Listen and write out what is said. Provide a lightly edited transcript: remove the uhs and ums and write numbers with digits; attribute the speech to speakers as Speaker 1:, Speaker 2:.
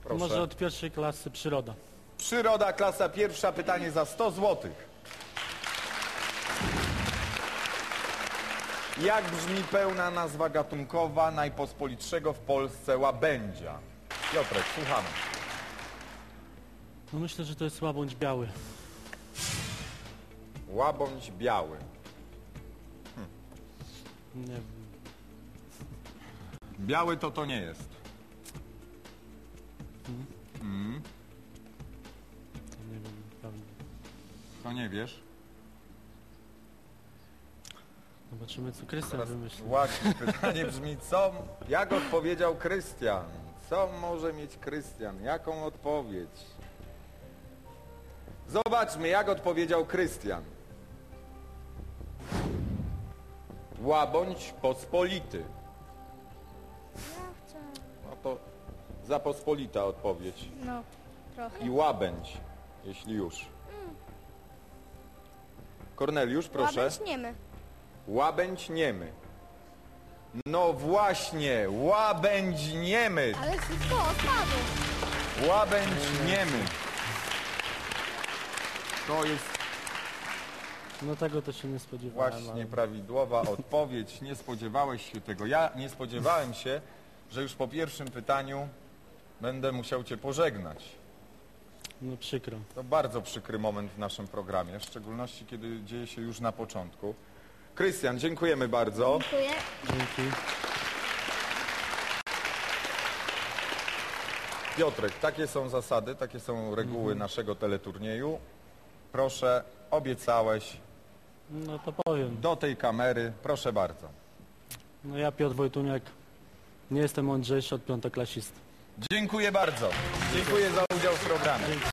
Speaker 1: Proszę.
Speaker 2: Może od pierwszej klasy przyroda.
Speaker 1: Przyroda, klasa pierwsza, pytanie za 100 zł. Jak brzmi pełna nazwa gatunkowa najpospolitszego w Polsce łabędzia? Piotrek, słuchamy.
Speaker 2: No myślę, że to jest łabędź biały.
Speaker 1: Łabędź biały.
Speaker 2: Nie wiem.
Speaker 1: Biały to nie jest.
Speaker 2: Nie wiem, pewnie.
Speaker 1: To nie wiesz?
Speaker 2: Zobaczymy, co Krystian wymyśli.
Speaker 1: Właśnie, pytanie brzmi, jak odpowiedział Krystian? Co może mieć Krystian? Jaką odpowiedź? Zobaczmy, jak odpowiedział Krystian. Łabędź pospolity. No to za pospolita odpowiedź.
Speaker 3: No, trochę.
Speaker 1: I łabędź, jeśli już. Korneliusz, proszę.
Speaker 3: Łabędź niemy.
Speaker 1: Łabędź niemy. No właśnie, łabędź niemy.
Speaker 3: Ale szybko odpadł.
Speaker 1: Łabędź niemy. To jest
Speaker 2: No tego to się nie spodziewałem.
Speaker 1: właśnie
Speaker 2: ale...
Speaker 1: prawidłowa odpowiedź. Nie spodziewałeś się tego. Ja nie spodziewałem się, że już po pierwszym pytaniu będę musiał cię pożegnać.
Speaker 2: No przykro.
Speaker 1: To bardzo przykry moment w naszym programie, w szczególności kiedy dzieje się już na początku. Krystian, dziękujemy bardzo.
Speaker 3: Dziękuję.
Speaker 2: Dzięki.
Speaker 1: Piotrek, takie są zasady, takie są reguły naszego teleturnieju. Proszę, obiecałeś
Speaker 2: No to powiem.
Speaker 1: do tej kamery, proszę bardzo.
Speaker 2: No ja, Piotr Wojtuniak, nie jestem mądrzejszy od piątoklasisty.
Speaker 1: Dziękuję bardzo. Dziękuję za udział w programie.